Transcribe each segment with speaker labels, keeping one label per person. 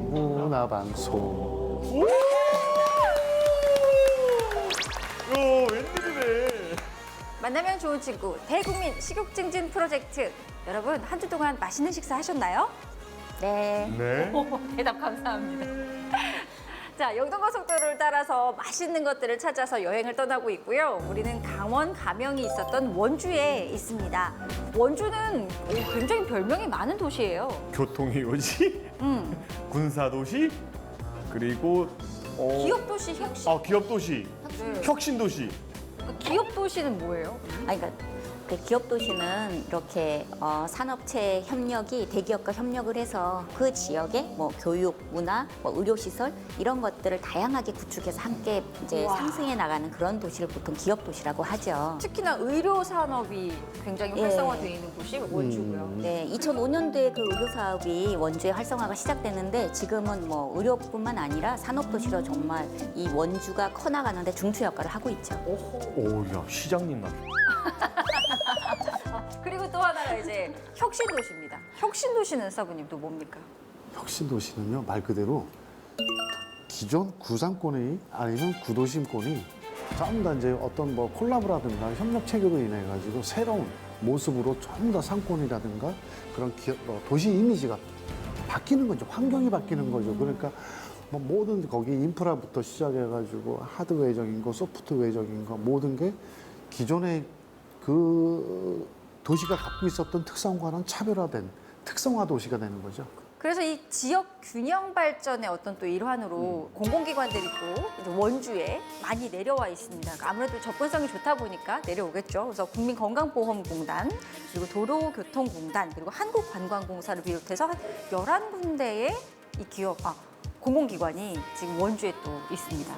Speaker 1: 문화방송.
Speaker 2: 웬일이래.
Speaker 3: 만나면 좋은 친구 대국민 식욕 증진 프로젝트. 여러분 한 주 동안 맛있는 식사 하셨나요? 네.
Speaker 2: 네.
Speaker 3: 대답 감사합니다. 자, 영동고속도로를 따라서 맛있는 것들을 찾아서 여행을 떠나고 있고요. 우리는 강원 가명이 있었던 원주에 있습니다. 원주는 굉장히 별명이 많은 도시예요.
Speaker 2: 교통의 요지, 군사도시, 그리고
Speaker 3: 기업도시 혁신.
Speaker 2: 기업도시,
Speaker 3: 네.
Speaker 2: 혁신도시.
Speaker 3: 기업도시는 뭐예요?
Speaker 4: 아니, 그러니까 그 기업 도시는 이렇게 산업체 협력이 대기업과 협력을 해서 그 지역에 뭐 교육, 문화, 뭐 의료 시설 이런 것들을 다양하게 구축해서 함께 이제
Speaker 3: 우와.
Speaker 4: 상승해 나가는 그런 도시를 보통 기업 도시라고 하죠.
Speaker 3: 특히나 의료 산업이 굉장히
Speaker 4: 예.
Speaker 3: 활성화되어 있는 곳이 원주고요.
Speaker 4: 네, 2005년도에 그 의료 사업이 원주의 활성화가 시작됐는데 지금은 뭐 의료뿐만 아니라 산업 도시로 정말 이 원주가 커나가는데 중추 역할을 하고 있죠.
Speaker 2: 야, 시장님 같아.
Speaker 3: 그리고 또 하나가 이제 혁신도시입니다. 혁신도시는 사부님 또 뭡니까?
Speaker 1: 혁신도시는요, 말 그대로 기존 구상권이 아니면 구도심권이 전부 다 이제 어떤 뭐 콜라보라든가 협력 체계로 인해 가지고 새로운 모습으로 좀 더 상권이라든가 그런 도시 이미지가 바뀌는 거죠. 환경이 바뀌는 거죠. 그러니까 뭐 모든 거기 인프라부터 시작해가지고 하드웨어적인 거, 소프트웨어적인 거 모든 게 기존의 그 도시가 갖고 있었던 특성과는 차별화된 특성화 도시가 되는 거죠.
Speaker 3: 그래서 이 지역 균형 발전의 어떤 또 일환으로 공공기관들이 또 이제 원주에 많이 내려와 있습니다. 그러니까 아무래도 접근성이 좋다 보니까 내려오겠죠. 그래서 국민건강보험공단, 그리고 도로교통공단, 그리고 한국관광공사를 비롯해서 한 11군데의 이 공공기관이 지금 원주에 또 있습니다.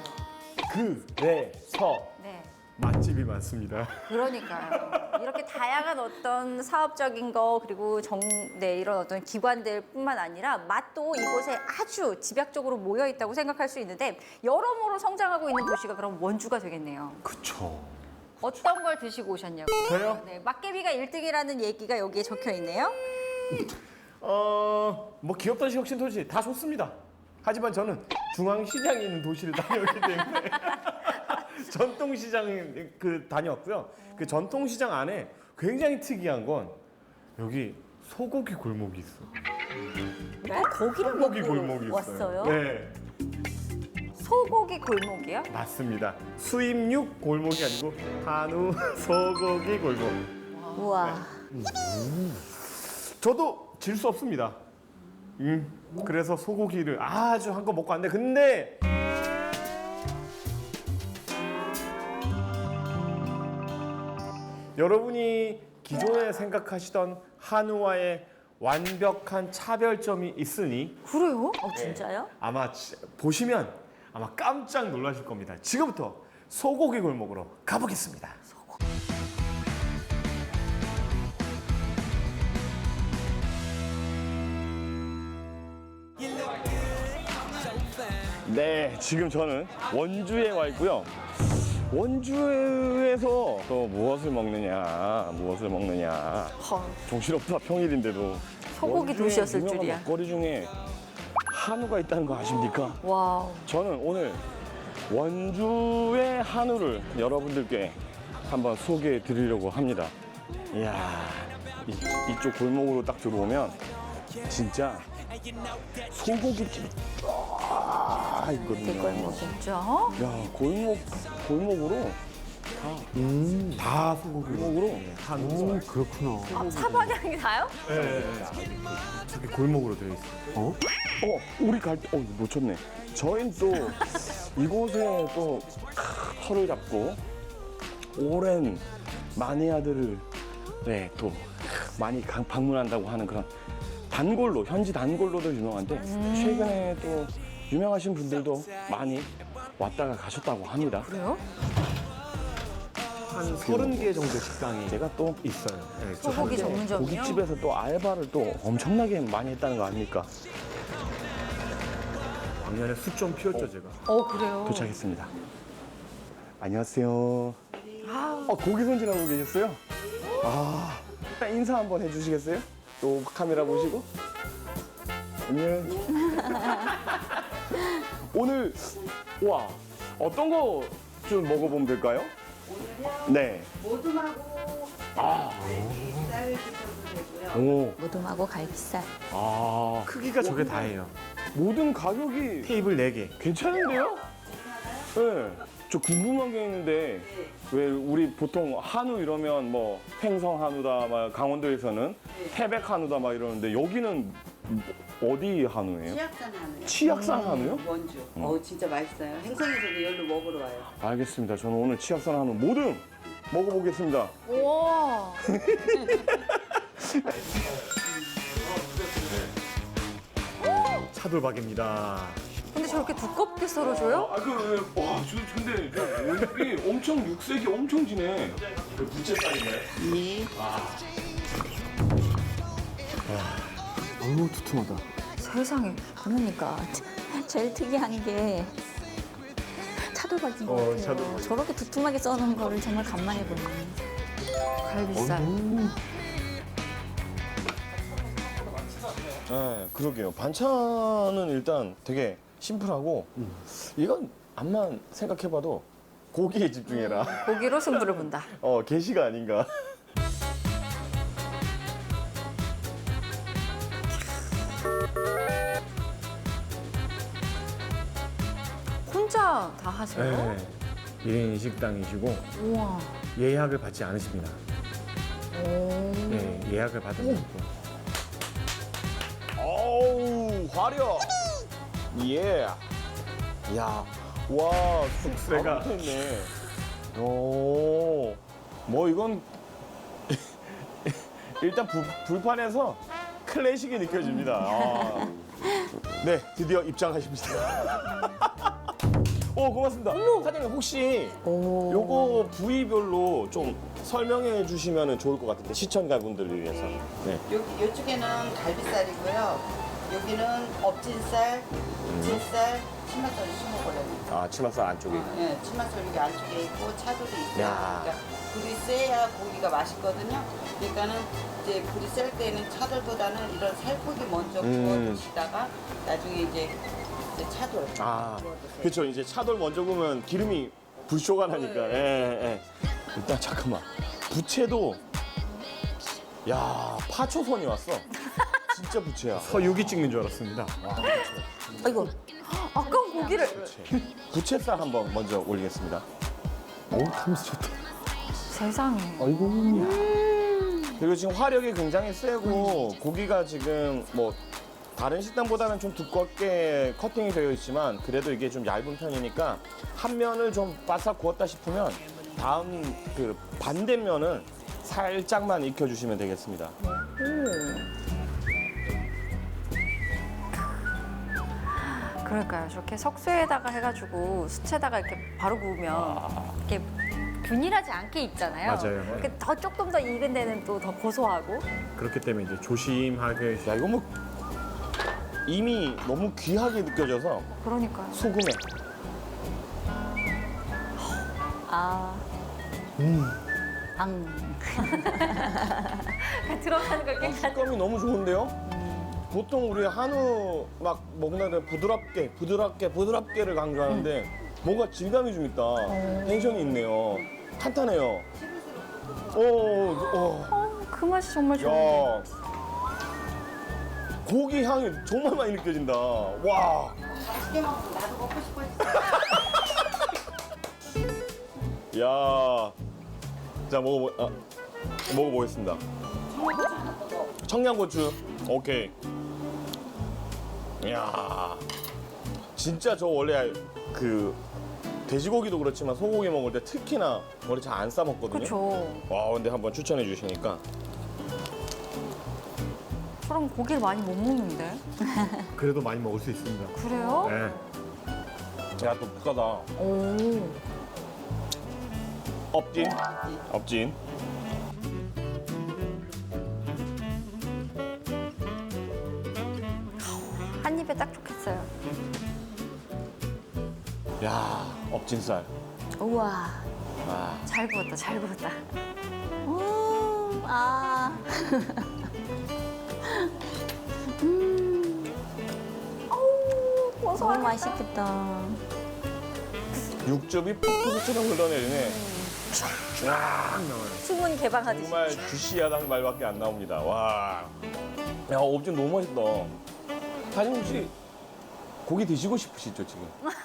Speaker 2: 그래서
Speaker 3: 네.
Speaker 2: 맛집이 많습니다.
Speaker 3: 그러니까요. 이렇게 다양한 어떤 사업적인 거 그리고 이런 어떤 기관들뿐만 아니라 맛도 이곳에 아주 집약적으로 모여 있다고 생각할 수 있는데 여러모로 성장하고 있는 도시가 그럼 원주가 되겠네요.
Speaker 2: 그쵸.
Speaker 3: 어떤 걸 드시고 오셨냐고.
Speaker 2: 저요?
Speaker 3: 네, 막개비가 1등이라는 얘기가 여기에 적혀 있네요.
Speaker 2: 뭐 기업도시, 혁신도시 다 좋습니다. 하지만 저는 중앙시장에 있는 도시를 다녔기 때문에 전통시장 다녔고요. 그 전통시장 안에 굉장히 특이한 건 여기 소고기 골목이 있어.
Speaker 4: 거기를
Speaker 2: 소고기
Speaker 4: 먹고
Speaker 2: 골목이 있어요.
Speaker 4: 왔어요?
Speaker 2: 네,
Speaker 3: 소고기 골목이요?
Speaker 2: 맞습니다. 수입육 골목이 아니고 한우 소고기 골목.
Speaker 4: 우와.
Speaker 2: 저도 질 수 없습니다. 그래서 소고기를 아주 한껏 먹고 왔는데 근데 여러분이 기존에 생각하시던 한우와의 완벽한 차별점이 있으니
Speaker 3: 그래요?
Speaker 4: 진짜요?
Speaker 2: 아마 보시면 아마 깜짝 놀라실 겁니다. 지금부터 소고기 골목으로 가보겠습니다. 네, 지금 저는 원주에 와 있고요. 원주에서 또 무엇을 먹느냐. 정신없다, 평일인데도.
Speaker 3: 소고기
Speaker 2: 원주에
Speaker 3: 도시였을
Speaker 2: 유명한
Speaker 3: 줄이야.
Speaker 2: 먹거리 중에 한우가 있다는 거 아십니까?
Speaker 3: 와우.
Speaker 2: 저는 오늘 원주의 한우를 여러분들께 한번 소개해 드리려고 합니다. 이야, 이쪽 골목으로 딱 들어오면 진짜 소고기집이 쫙 있거든요.
Speaker 4: 대골목이.
Speaker 3: 진짜?
Speaker 2: 야, 골목으로 다 소고기 골목으로 한우.
Speaker 1: 그렇구나.
Speaker 3: 사방향이 다요?
Speaker 2: 네, 저기 골목으로 되어 있어요. 우리 갈 때, 놓쳤네. 저희는 또 이곳에 또 터를 잡고 오랜 마니아들을 또 많이 방문한다고 하는 그런 단골로, 현지 단골로도 유명한데 최근에 또 유명하신 분들도 많이 왔다가 가셨다고 합니다.
Speaker 3: 그래요?
Speaker 2: 한 30개 정도 식당이 제가 또 있어요. 네,
Speaker 3: 소고기 전문점이요?
Speaker 2: 고깃집에서 또 알바를 또 엄청나게 많이 했다는 거 아닙니까? 작년에 숯 좀 피웠죠, 제가.
Speaker 3: 그래요?
Speaker 2: 도착했습니다. 안녕하세요. 고기 손질하고 계셨어요? 인사 한번 해주시겠어요? 또 카메라 보시고. 안녕. 오늘 와 어떤 거 좀 먹어보면 될까요?
Speaker 5: 오늘요
Speaker 2: 네.
Speaker 5: 모둠하고
Speaker 2: 아.
Speaker 5: 쌀 드셔도 되고요.
Speaker 2: 오.
Speaker 4: 모둠하고 갈비살.
Speaker 2: 아. 크기가 저게 다예요. 모든 가격이 테이블 4개. 괜찮은데요? 네. 저 궁금한 게 있는데 왜 우리 보통 한우 이러면 뭐 횡성 한우다, 막 강원도에서는 태백 한우다 막 이러는데 여기는 어디 한우예요?
Speaker 5: 치악산 한우요.
Speaker 2: 치악산 한우요?
Speaker 5: 원주. 진짜 맛있어요. 행성에서도 여기로 먹으러 와요.
Speaker 2: 알겠습니다. 저는 오늘 치악산 한우 모듬 먹어보겠습니다.
Speaker 3: 우와.
Speaker 2: 차돌박입니다.
Speaker 3: 근데 저렇게 두껍게 썰어줘요?
Speaker 2: 근데 얼굴이 엄청 육색이 엄청 진해. 부채살인가요?
Speaker 5: 네.
Speaker 1: 아유 두툼하다.
Speaker 3: 세상에.
Speaker 4: 그러니까 제일 특이한 게 차돌박인 것 같아요.
Speaker 2: 차돌박.
Speaker 4: 저렇게 두툼하게 써놓은 거를 정말 간만에 보네.
Speaker 3: 갈비살.
Speaker 2: 네, 그러게요. 반찬은 일단 되게 심플하고 이건 암만 생각해봐도 고기에 집중해라.
Speaker 3: 고기로 승부를 본다.
Speaker 2: 게시가 아닌가.
Speaker 3: 혼자 다 하세요?
Speaker 2: 1인 식당이시고
Speaker 3: 우와.
Speaker 2: 예약을 받지 않으십니다.
Speaker 3: 오.
Speaker 2: 네, 예약을 받으면 되고. 어우, 화려. 예. 야, 와, 숙세가 붙어있네. 오, 뭐 이건 일단 불판에서 클래식이 느껴집니다. 아. 네, 드디어 입장하십니다. 오, 고맙습니다. 사장님 혹시 요거 부위별로 좀 설명해 주시면 좋을 것 같은데 시청자분들을 위해서. 네.
Speaker 5: 요쪽에는 갈비살이고요. 여기는 업진살, 진살, 치맛살 심어버려요.
Speaker 2: 아, 치맛살 안쪽에.
Speaker 5: 예, 치맛살 여기 안쪽에 있고 차돌이 있어요.
Speaker 2: 야.
Speaker 5: 그러니까 불이 세야 고기가 맛있거든요. 그러니까는 이제 불이 셀 때는 차돌보다는 이런 살코기 먼저 구워주시다가 나중에 이제 차돌
Speaker 2: 아,
Speaker 5: 구워주세요.
Speaker 2: 그렇죠. 이제 차돌 먼저 구우면 기름이 불쇼가 나니까. 예. 일단 잠깐만. 부채도 야, 파초선이 왔어. 진짜 부채야. 서육이 찍는 줄 알았습니다. 와,
Speaker 4: 아이고,
Speaker 3: 아까운 고기를.
Speaker 2: 부채살 한번 먼저 올리겠습니다.
Speaker 1: 어우 탐스 좋다.
Speaker 3: 세상에.
Speaker 1: 아이고.
Speaker 2: 그리고 지금 화력이 굉장히 세고 고기가 지금 뭐 다른 식당보다는 좀 두껍게 커팅이 되어 있지만 그래도 이게 좀 얇은 편이니까 한 면을 좀 바싹 구웠다 싶으면 다음 그 반대면을 살짝만 익혀주시면 되겠습니다.
Speaker 3: 그러니까요. 저렇게 석쇠에다가 해가지고 수채에다가 이렇게 바로 구우면 이렇게 균일하지 않게 익잖아요.
Speaker 2: 맞아요.
Speaker 3: 그더 조금 더 익은 데는 또 더 고소하고.
Speaker 2: 그렇기 때문에 이제 조심하게. 야, 이거 뭐 이미 너무 귀하게 느껴져서
Speaker 3: 그러니까요.
Speaker 2: 소금에.
Speaker 4: 아,
Speaker 3: 들어가는 걸 깨끗.
Speaker 2: 식감이 너무 좋은데요? 보통 우리 한우 막 먹는 데 부드럽게를 강조하는데 뭔가 질감이 좀 있다. 텐션이 있네요. 탄탄해요.
Speaker 3: 그 맛이 정말 좋은데.
Speaker 2: 야, 고기 향이 정말 많이 느껴진다. 와,
Speaker 5: 맛있게 먹으면 나도 먹고 싶어졌어.
Speaker 2: 야, 자 먹어보겠습니다. 청양고추, 오케이. 이야, 진짜 저 원래 그 돼지고기도 그렇지만 소고기 먹을 때 특히나 머리 잘 안 싸먹거든요.
Speaker 3: 그렇죠.
Speaker 2: 와, 근데 한번 추천해 주시니까.
Speaker 3: 저런 고기를 많이 못 먹는데.
Speaker 2: 그래도 많이 먹을 수 있습니다.
Speaker 3: 그래요?
Speaker 2: 네. 야, 또 부가다.
Speaker 3: 오.
Speaker 2: 업진.
Speaker 3: 한 입에 딱 좋겠어요.
Speaker 2: 야, 업진살.
Speaker 4: 우와.
Speaker 2: 아,
Speaker 3: 잘 구웠다, 잘 구웠다.
Speaker 4: 아. 너무 맛있겠다.
Speaker 2: 육즙이 폭포수처럼 흘러내리네. 쫙 나와요.
Speaker 3: 수문 개방하듯이.
Speaker 2: 정말 주시하다는 말밖에 안 나옵니다. 와. 야, 옵션 너무 맛있다. 사장님 혹시 고기 드시고 싶으시죠, 지금?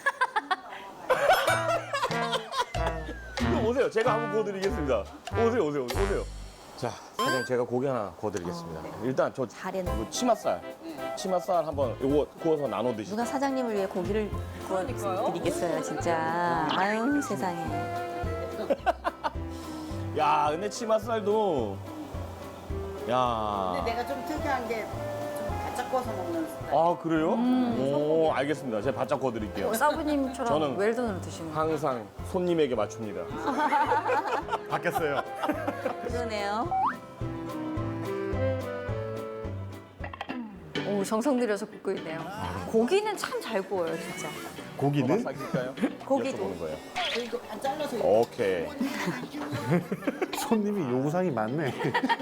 Speaker 2: 이거 오세요. 제가 한번 구워드리겠습니다. 오세요. 자, 사장님 제가 고기 하나 구워드리겠습니다. 일단 저
Speaker 4: 잘했네.
Speaker 2: 이거 치맛살 한번 이거 구워서 나눠 드시죠.
Speaker 4: 누가 사장님을 위해 고기를 구워드리겠어요, 진짜. 아유, 세상에.
Speaker 2: 야, 근데 치맛살도 야.
Speaker 5: 근데 내가 좀 특이한 게 좀 바짝 구워서 먹는 스타일.
Speaker 2: 아, 그래요? 오, 알겠습니다. 제가 바짝 구워드릴게요.
Speaker 3: 사부님처럼
Speaker 2: 저는
Speaker 3: 웰던으로 드시는 거.
Speaker 2: 항상 손님에게 맞춥니다. 바뀌었어요.
Speaker 4: 그러네요.
Speaker 3: 오, 정성 들여서 굽고 있네요. 고기는 참 잘 구워요, 진짜.
Speaker 1: 고기는
Speaker 2: 사귈까요?
Speaker 3: 고기도.
Speaker 2: 여쭤보는 거예요.
Speaker 5: 이거 반 잘라서
Speaker 2: 오케이.
Speaker 1: 손님이 요구사항이 많네.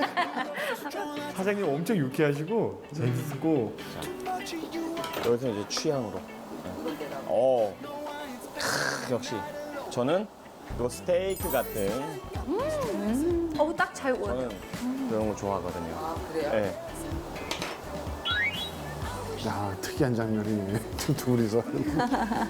Speaker 6: 사장님 엄청 유쾌하시고 재밌고
Speaker 2: 여기서 이제 취향으로. 역시 저는 이 스테이크 같은
Speaker 3: 어우, 딱 잘 구워요.
Speaker 2: 저는 그런 거 좋아하거든요.
Speaker 5: 아 그래요?
Speaker 2: 네.
Speaker 1: 야, 특이한 장면이네. 둘이서.
Speaker 5: 괜찮아요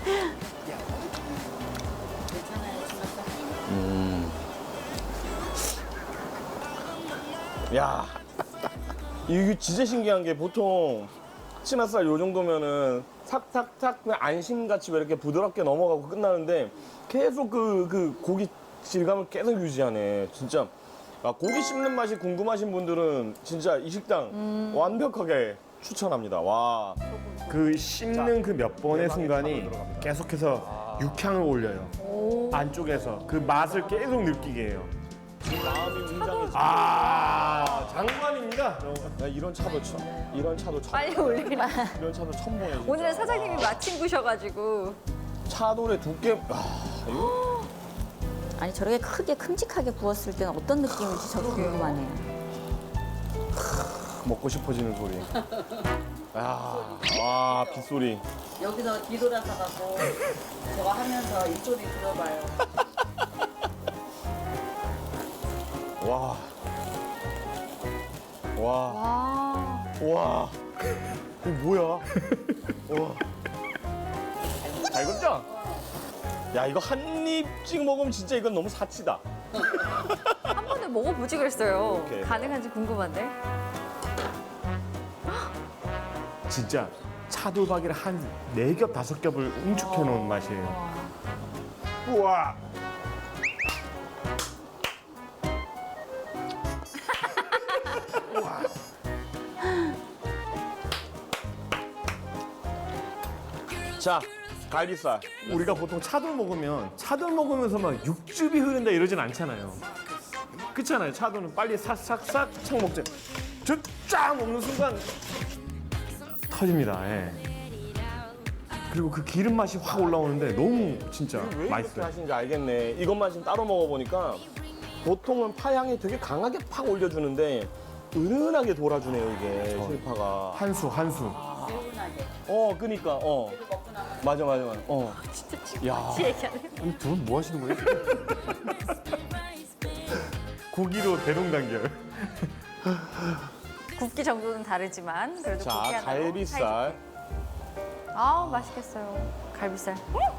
Speaker 5: 지났어?
Speaker 2: 야, 이게 진짜 신기한 게 보통 치맛살 요 정도면은 탁탁탁 그냥 안심같이 왜 이렇게 부드럽게 넘어가고 끝나는데 계속 그 고기 질감을 계속 유지하네. 진짜 고기 씹는 맛이 궁금하신 분들은 진짜 이 식당 완벽하게 추천합니다. 와.
Speaker 6: 그 씹는 그 몇 번의
Speaker 2: 대박의
Speaker 6: 순간이
Speaker 2: 차로 들어갑니다.
Speaker 6: 계속해서 육향을 올려요. 안쪽에서 그 맛을 계속 느끼게 해요.
Speaker 2: 마음이 웅장해지.
Speaker 6: 장관입니다.
Speaker 2: 나 이런 차도 처음
Speaker 3: 빨리 올리라.
Speaker 2: 이런 차도 처음 보네. 진짜.
Speaker 3: 오늘 사장님이 마침 구셔가지고.
Speaker 2: 차돌의 두께. 이거
Speaker 4: 아니, 저렇게 크게 큼직하게 구웠을 때는 어떤 느낌인지 저도 궁금하네요.
Speaker 2: 먹고 싶어지는 소리. 와, 빗소리.
Speaker 5: 여기서 뒤돌아서 갖고 저거 하면서 이 소리 들어봐요.
Speaker 2: 와. 와.
Speaker 3: 와.
Speaker 2: 와. 이거 뭐야? 와. 잘 익었죠? 야, 이거 한 입씩 먹으면 진짜 이건 너무 사치다.
Speaker 3: 한 번에 먹어보지 그랬어요.
Speaker 2: 오케이.
Speaker 3: 가능한지 궁금한데.
Speaker 6: 진짜 차돌박이를 한 4겹, 5겹을 응축해 놓은 맛이에요. 우와.
Speaker 2: 자, 갈비살.
Speaker 6: 우리가 보통 차돌 먹으면 차돌 먹으면서 막 육즙이 흐른다 이러진 않잖아요. 그렇잖아요. 차돌은 빨리 싹싹싹 착 먹자. 저쫙 먹는 순간 터집니다. 예. 그리고 그 기름 맛이 확 올라오는데 너무 진짜
Speaker 2: 왜 이렇게
Speaker 6: 맛있어요.
Speaker 2: 하시는지 알겠네. 이것만 지금 따로 먹어보니까 보통은 파향이 되게 강하게 팍 올려주는데 은은하게 돌아주네요, 이게 실파가.
Speaker 6: 한수.
Speaker 5: 개운하게.
Speaker 2: 그니까,
Speaker 5: 먹고 나면
Speaker 2: 맞아.
Speaker 3: 진짜 지금
Speaker 2: 야.
Speaker 3: 같이 얘기하네.
Speaker 1: 이 두 분 뭐 하시는 거예요?
Speaker 6: 고기로 대동단결.
Speaker 3: 굽기 정도는 다르지만 그래도
Speaker 2: 자,
Speaker 3: 굽기 하나로
Speaker 2: 갈비살.
Speaker 3: 아우, 맛있겠어요. 갈비살.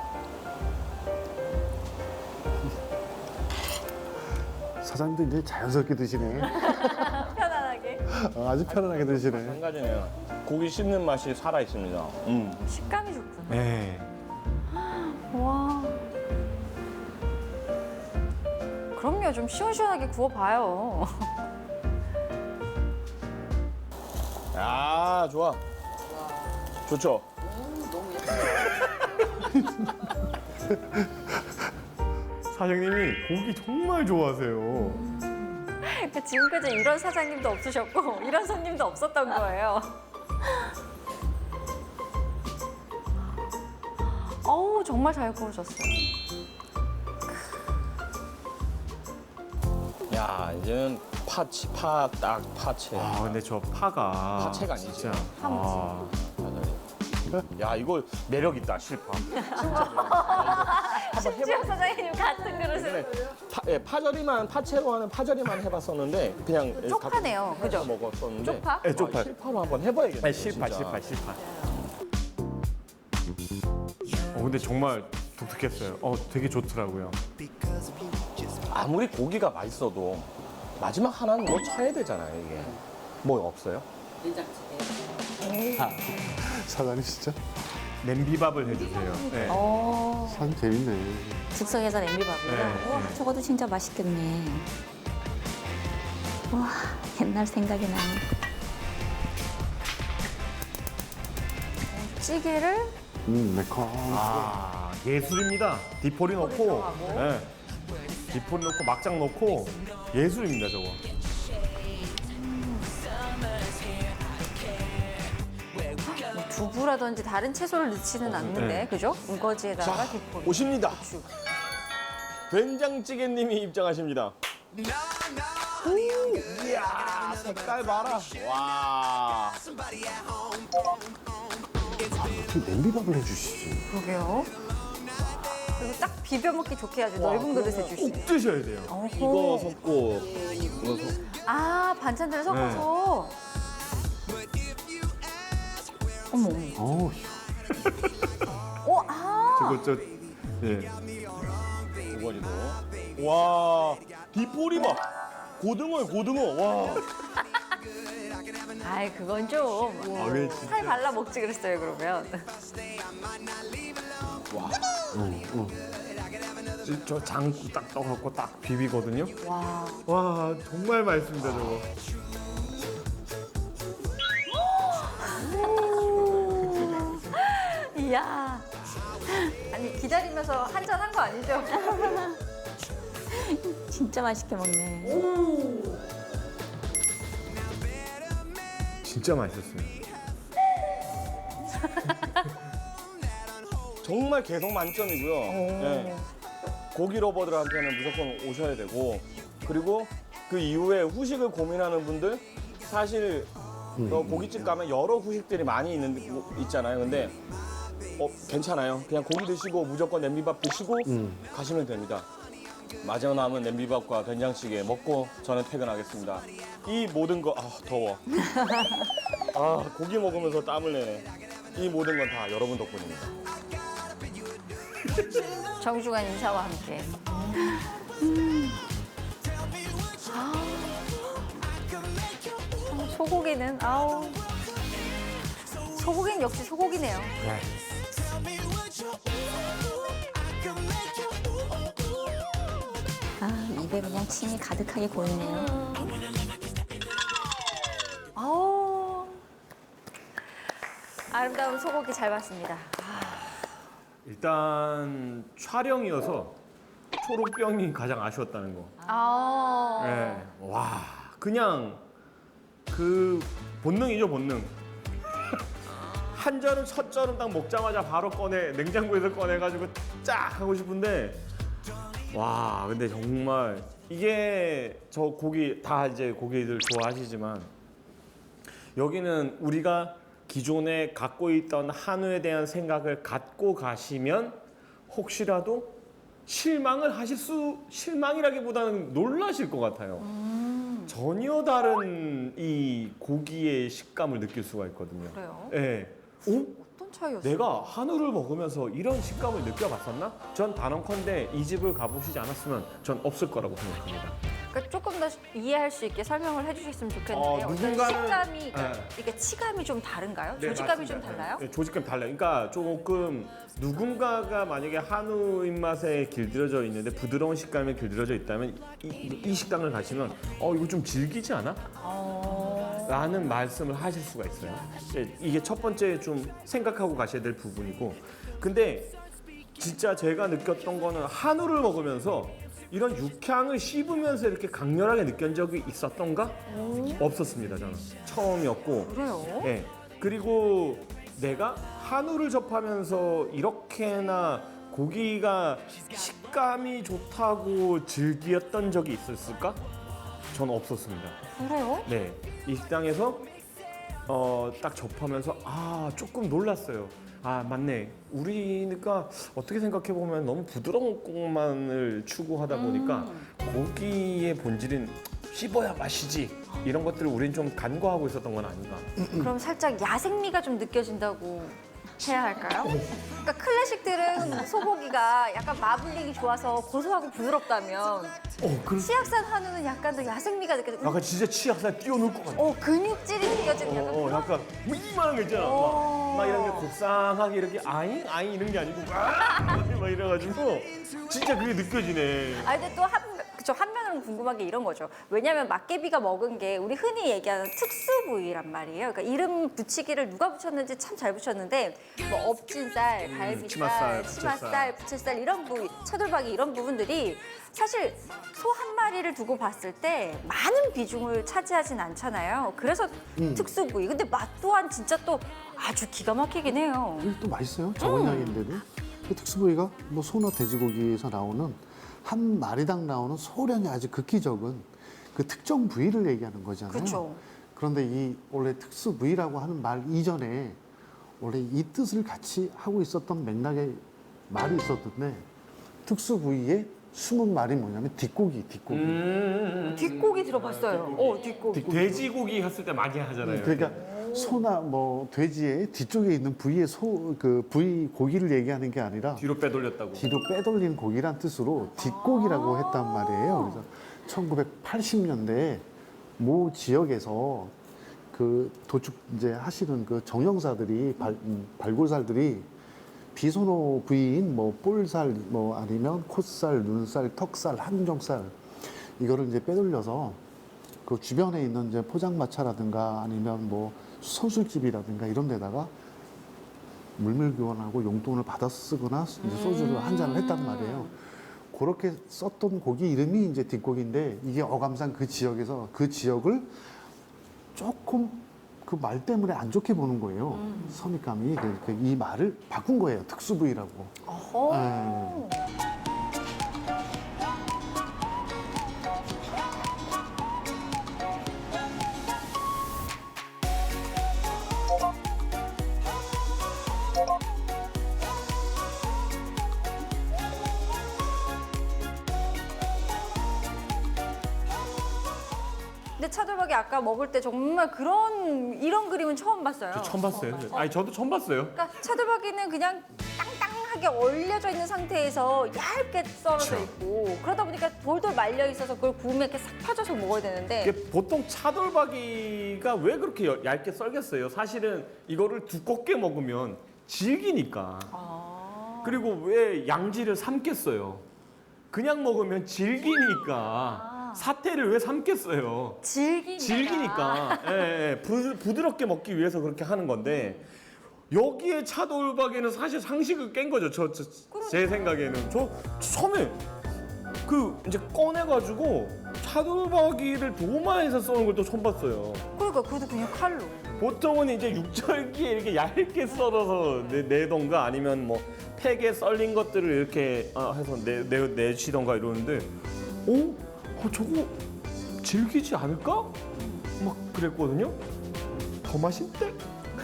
Speaker 1: 사장님도 이제 자연스럽게 드시네.
Speaker 3: 편안하게.
Speaker 1: 아주 편안하게 드시네.
Speaker 2: 한 가지는 고기 씹는 맛이 살아 있습니다.
Speaker 3: 식감이 좋구나.
Speaker 6: 네.
Speaker 3: 와. 그럼요. 좀 시원시원하게 구워봐요.
Speaker 2: 야, 좋아. 좋죠?
Speaker 5: 너무
Speaker 6: 사장님이 고기 정말 좋아하세요.
Speaker 3: 그러니까 지금까지 이런 사장님도 없으셨고 이런 손님도 없었던 거예요. 어우, 정말 잘 구워졌어요.
Speaker 2: 야, 이제는 파채.
Speaker 6: 아 근데 저 파가
Speaker 2: 파채가 아니지.
Speaker 6: 진짜. 아,
Speaker 2: 야 이거 매력 있다 실파.
Speaker 3: 심지어 사장님 같은 그릇을
Speaker 2: 파절이만 파채로 하는 파절이만 해봤었는데 그냥
Speaker 3: 쪽파네요, 그죠?
Speaker 2: 먹었었는데
Speaker 3: 쪽파?
Speaker 6: 네, 쪽파.
Speaker 2: 실파로 한번 해봐야겠네.
Speaker 6: 실파. 근데 정말 독특했어요. 되게 좋더라고요.
Speaker 2: 아무리 고기가 맛있어도 마지막 하나는 뭐 쳐야 되잖아요 이게. 뭐 없어요?
Speaker 5: 된장찌개.
Speaker 1: 사장님 진짜
Speaker 6: 냄비밥을 해주세요. 네.
Speaker 1: 참 재밌네.
Speaker 4: 즉석에서 냄비밥이요.
Speaker 6: 네.
Speaker 4: 우와, 저것도 진짜 맛있겠네. 와, 옛날 생각이 나네.
Speaker 3: 찌개를
Speaker 1: 매콤.
Speaker 6: 예술입니다. 디포리 넣고,
Speaker 3: 들어가고.
Speaker 6: 네. 디포리 넣고 막장 넣고 예술입니다 저거.
Speaker 3: 뭐 두부라든지 다른 채소를 넣지는 않는데,
Speaker 6: 네.
Speaker 3: 그죠? 우거지에다가
Speaker 2: 자
Speaker 3: 디포.
Speaker 2: 오십니다. 된장찌개님이 입장하십니다. 오, 이야 색깔 봐라. 와.
Speaker 1: 어떻게 냄비밥을 해주시지?
Speaker 3: 그러게요. 그리고 딱 비벼 먹기 좋게 아주 넓은 그릇에 주시네.
Speaker 6: 꼭 드셔야 돼요.
Speaker 2: 이거 섞고 이거
Speaker 3: 아, 반찬들을 섞어서. 어머.
Speaker 1: 어우,
Speaker 6: 저거 예.
Speaker 2: 우거지도. 와 디포리 봐. 고등어 와.
Speaker 3: 아이, 그건 좀.
Speaker 6: 왜 진짜.
Speaker 3: 살 발라 먹지 그랬어요, 그러면.
Speaker 6: 저 장국 딱 떠갖고 딱 비비거든요.
Speaker 3: 와.
Speaker 6: 와 정말 맛있습니다 저거.
Speaker 3: 이야. 아니, 기다리면서 한잔 한 거 아니죠?
Speaker 4: 진짜 맛있게 먹네.
Speaker 6: 진짜 맛있었어요.
Speaker 2: 정말 개성 만점이고요. 네. 고기 러버들한테는 무조건 오셔야 되고 그리고 그 이후에 후식을 고민하는 분들 사실 고깃집 가면 여러 후식들이 많이 있잖아요. 근데 괜찮아요. 그냥 고기 드시고 무조건 냄비밥 드시고 가시면 됩니다. 마지막 남은 냄비밥과 된장찌개 먹고 저는 퇴근하겠습니다. 이 모든 거 더워. 고기 먹으면서 땀을 내네. 이 모든 건 다 여러분 덕분입니다.
Speaker 3: 정중한 인사와 함께. 소고기는 아우. 소고기는 역시 소고기네요.
Speaker 4: 입에 그냥 침이 가득하게 고이네요.
Speaker 3: 아우. 아름다운 소고기 잘 봤습니다.
Speaker 6: 일단 촬영이어서 초록병이 가장 아쉬웠다는 거.
Speaker 3: 아.
Speaker 6: 네. 와 그냥 그 본능이죠 본능. 한 절은 첫 절은 딱 먹자마자 바로 냉장고에서 꺼내가지고 쫙 하고 싶은데 와 근데 정말 이게 저 고기 다 이제 고기들 좋아하시지만 여기는 우리가 기존에 갖고 있던 한우에 대한 생각을 갖고 가시면 혹시라도 실망이라기보다는 놀라실 것 같아요. 전혀 다른 이 고기의 식감을 느낄 수가 있거든요.
Speaker 3: 그래요?
Speaker 6: 네.
Speaker 3: 어떤 차이였어요?
Speaker 6: 내가 한우를 먹으면서 이런 식감을 느껴봤었나? 전 단언컨대 이 집을 가보시지 않았으면 전 없을 거라고 생각합니다.
Speaker 3: 그러니까 조금 더 이해할 수 있게 설명을 해주셨으면 좋겠는데요. 어떤
Speaker 6: 누군가는-
Speaker 3: 식감이, 그러니까
Speaker 6: 네.
Speaker 3: 이게 치감이 좀 다른가요?
Speaker 6: 네,
Speaker 3: 조직감이 좀
Speaker 6: 맞습니다.
Speaker 3: 달라요?
Speaker 6: 네, 조직감이 달라요. 그러니까 조금 누군가가 만약에 한우 입맛에 길들여져 있는데 부드러운 식감에 길들여져 있다면 이 식당을 가시면 이거 좀 질기지 않아? 라는 말씀을 하실 수가 있어요. 이게 첫 번째 좀 생각하고 가셔야 될 부분이고 근데 진짜 제가 느꼈던 거는 한우를 먹으면서 이런 육향을 씹으면서 이렇게 강렬하게 느낀 적이 있었던가? 없었습니다, 저는. 처음이었고.
Speaker 3: 그래요?
Speaker 6: 네. 그리고 내가 한우를 접하면서 이렇게나 고기가 식감이 좋다고 즐겼던 적이 있었을까? 저는 없었습니다.
Speaker 3: 그래요?
Speaker 6: 네. 이 식당에서 딱 접하면서 조금 놀랐어요. 아 맞네. 우리니까 어떻게 생각해 보면 너무 부드러운 것만을 추구하다 보니까 고기의 본질인 씹어야 맛이지 이런 것들을 우리는 좀 간과하고 있었던 건 아닌가.
Speaker 3: 그럼 살짝 야생미가 좀 느껴진다고 해야 할까요? 그러니까 클래식들은 소고기가 약간 마블링이 좋아서 고소하고 부드럽다면 치악산 한우는 약간 더 야생미가 느껴져.
Speaker 6: 약간 진짜 치약살 띄워놓을 것 같아.
Speaker 3: 근육질이 느껴지는 약간 그런
Speaker 6: 약간 뭐 이만한 거 있잖아. 막 이런 게 곱상하게 이렇게 아잉 아잉 이런 게 아니고 막 이래가지고 진짜 그게 느껴지네.
Speaker 3: 아 근데 또 한면으로는 궁금한 게 이런 거죠. 왜냐하면 막개비가 먹은 게 우리 흔히 얘기하는 특수 부위란 말이에요. 그러니까 이름 붙이기를 누가 붙였는지 참 잘 붙였는데 뭐 업진살, 갈비살, 치맛살, 부채살 이런 부위, 차돌박이 이런 부분들이 사실 소 한 마리를 두고 봤을 때 많은 비중을 차지하진 않잖아요. 그래서 특수 부위. 근데 맛 또한 진짜 또 아주 기가 막히긴 해요.
Speaker 1: 이게 또 맛있어요. 적은 양인데도. 그 특수 부위가 뭐 소나 돼지고기에서 나오는 한 마리당 나오는 소량이 아주 극히 적은 그 특정 부위를 얘기하는 거잖아요.
Speaker 3: 그렇죠.
Speaker 1: 그런데 이 원래 특수 부위라고 하는 말 이전에 원래 이 뜻을 같이 하고 있었던 맥락의 말이 있었는데 특수 부위의 숨은 말이 뭐냐면 뒷고기.
Speaker 3: 뒷고기 들어봤어요. 뒷고기.
Speaker 6: 돼지고기 했을 때 많이 하잖아요.
Speaker 1: 그러니까 소나 뭐 돼지의 뒤쪽에 있는 부위의 그 부위 고기를 얘기하는 게 아니라
Speaker 6: 뒤로 빼돌렸다고.
Speaker 1: 뒤로 빼돌린 고기란 뜻으로 뒷고기라고 했단 말이에요. 그래서 1980년대에 모 지역에서 그 도축 이제 하시는 그 정형사들이 발골살들이 비소노 부위인 뭐 볼살 뭐 아니면 콧살, 눈살, 턱살, 항정살 이거를 이제 빼돌려서 그 주변에 있는 이제 포장마차라든가 아니면 뭐 선술집이라든가 이런 데다가 물밀교환하고 용돈을 받아 쓰거나 이제 소주를 한 잔을 했단 말이에요. 그렇게 썼던 고기 이름이 이제 뒷고기인데 이게 어감상 그 지역에서 그 지역을 조금 그 말 때문에 안 좋게 보는 거예요. 선입감이 이 말을 바꾼 거예요. 특수 부위라고.
Speaker 3: 어허. 근데 차돌박이 아까 먹을 때 정말 이런 그림은 처음 봤어요.
Speaker 6: 처음 봤어요. 아니 저도 처음 봤어요.
Speaker 3: 그러니까 차돌박이는 그냥 땅땅하게 얼려져 있는 상태에서 얇게 썰어져 있고 그러다 보니까 돌돌 말려 있어서 그걸 구우면 이렇게 싹 펴져서 먹어야 되는데
Speaker 6: 이게 보통 차돌박이가 왜 그렇게 얇게 썰겠어요? 사실은 이거를 두껍게 먹으면 질기니까. 그리고 왜 양지를 삶겠어요? 그냥 먹으면 질기니까. 사태를 왜 삶겠어요? 질기니까. 예, 부드럽게 먹기 위해서 그렇게 하는 건데 여기에 차돌박이는 사실 상식을 깬 거죠. 제 생각에는. 저 처음에 그 이제 꺼내가지고 차돌박이를 도마에서 써는 걸 또 처음 봤어요.
Speaker 3: 그러니까 그것도 그냥 칼로.
Speaker 6: 보통은 이제 육절기에 이렇게 얇게 썰어서 내던가 아니면 뭐 팩에 썰린 것들을 이렇게 해서 내시던가 이러는데 저거 질기지 않을까? 막 그랬거든요. 더 맛있대?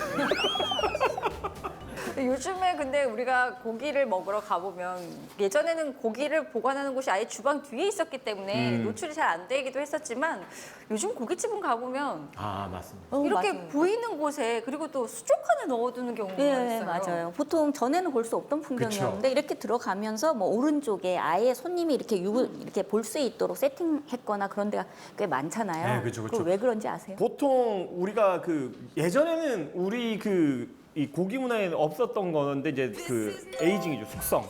Speaker 3: 요즘에 근데 우리가 고기를 먹으러 가보면 예전에는 고기를 보관하는 곳이 아예 주방 뒤에 있었기 때문에 노출이 잘 안 되기도 했었지만 요즘 고깃집은 가보면
Speaker 6: 맞습니다.
Speaker 3: 이렇게
Speaker 4: 맞아요.
Speaker 3: 보이는 곳에 그리고 또 수족 안에 넣어두는 경우가
Speaker 4: 네,
Speaker 3: 있어요.
Speaker 4: 맞아요. 보통 전에는 볼 수 없던 풍경이었는데 이렇게 들어가면서 뭐 오른쪽에 아예 손님이 이렇게 볼 수 있도록 세팅했거나 그런 데가 꽤 많잖아요.
Speaker 6: 네, 그쵸.
Speaker 4: 그거 왜 그런지 아세요?
Speaker 6: 보통 우리가 예전에는 우리 이 고기 문화에 없었던 건데 이제 그 에이징이죠.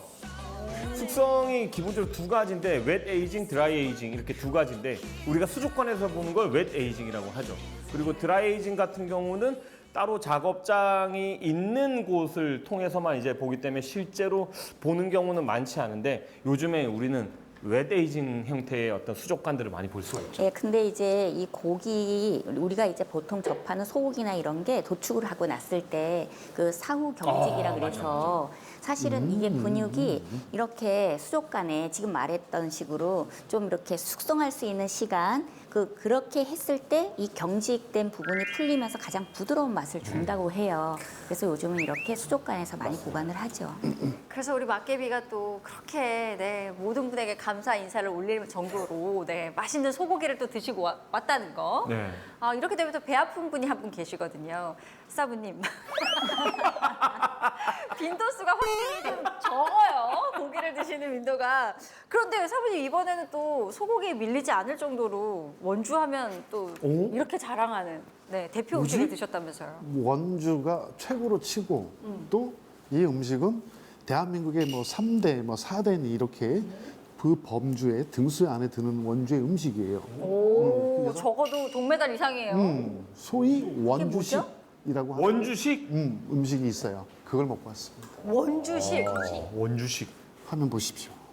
Speaker 6: 숙성이 기본적으로 두 가지인데 웻 에이징, 드라이 에이징 이렇게 두 가지인데 우리가 수족관에서 보는 걸 웻 에이징이라고 하죠. 그리고 드라이 에이징 같은 경우는 따로 작업장이 있는 곳을 통해서만 이제 보기 때문에 실제로 보는 경우는 많지 않은데 요즘에 우리는 웻 에이징 형태의 어떤 수족관들을 많이 볼 수가 있죠.
Speaker 4: 예, 근데 이제 이 고기 우리가 이제 보통 접하는 소고기나 이런 게 도축을 하고 났을 때 그 사후 경직이라 그래서 사실은 이게 근육이 이렇게 수족관에 지금 말했던 식으로 좀 이렇게 숙성할 수 있는 시간 그렇게 했을 때 이 경직된 부분이 풀리면서 가장 부드러운 맛을 준다고 해요. 그래서 요즘은 이렇게 수족관에서 많이 보관을 하죠.
Speaker 3: 그래서 우리 막개비가 또 그렇게 네, 모든 분에게 감사 인사를 올릴 정도로 네, 맛있는 소고기를 또 드시고 왔다는 거.
Speaker 6: 네.
Speaker 3: 아, 이렇게 되면 또 배 아픈 분이 한 분 계시거든요. 사부님. 빈도수가 확실히 좀 적어요. 고기를 드시는 빈도가. 그런데 사부님 이번에는 또 소고기에 밀리지 않을 정도로 원주하면 또
Speaker 1: 오?
Speaker 3: 이렇게 자랑하는 네, 대표 음식을 드셨다면서요.
Speaker 1: 원주가 최고로 치고 또 이 음식은 대한민국의 뭐 3대, 뭐 4대 이렇게 그 범주의 등수 안에 드는 원주의 음식이에요.
Speaker 3: 오,
Speaker 1: 그래서-
Speaker 3: 적어도 동메달 이상이에요.
Speaker 1: 소위 원주식이라고 하는
Speaker 6: 원주식?
Speaker 1: 음식이 있어요. 그걸 먹고 왔습니다.
Speaker 3: 원주식.
Speaker 6: 원주식.
Speaker 1: 화면 보십시오.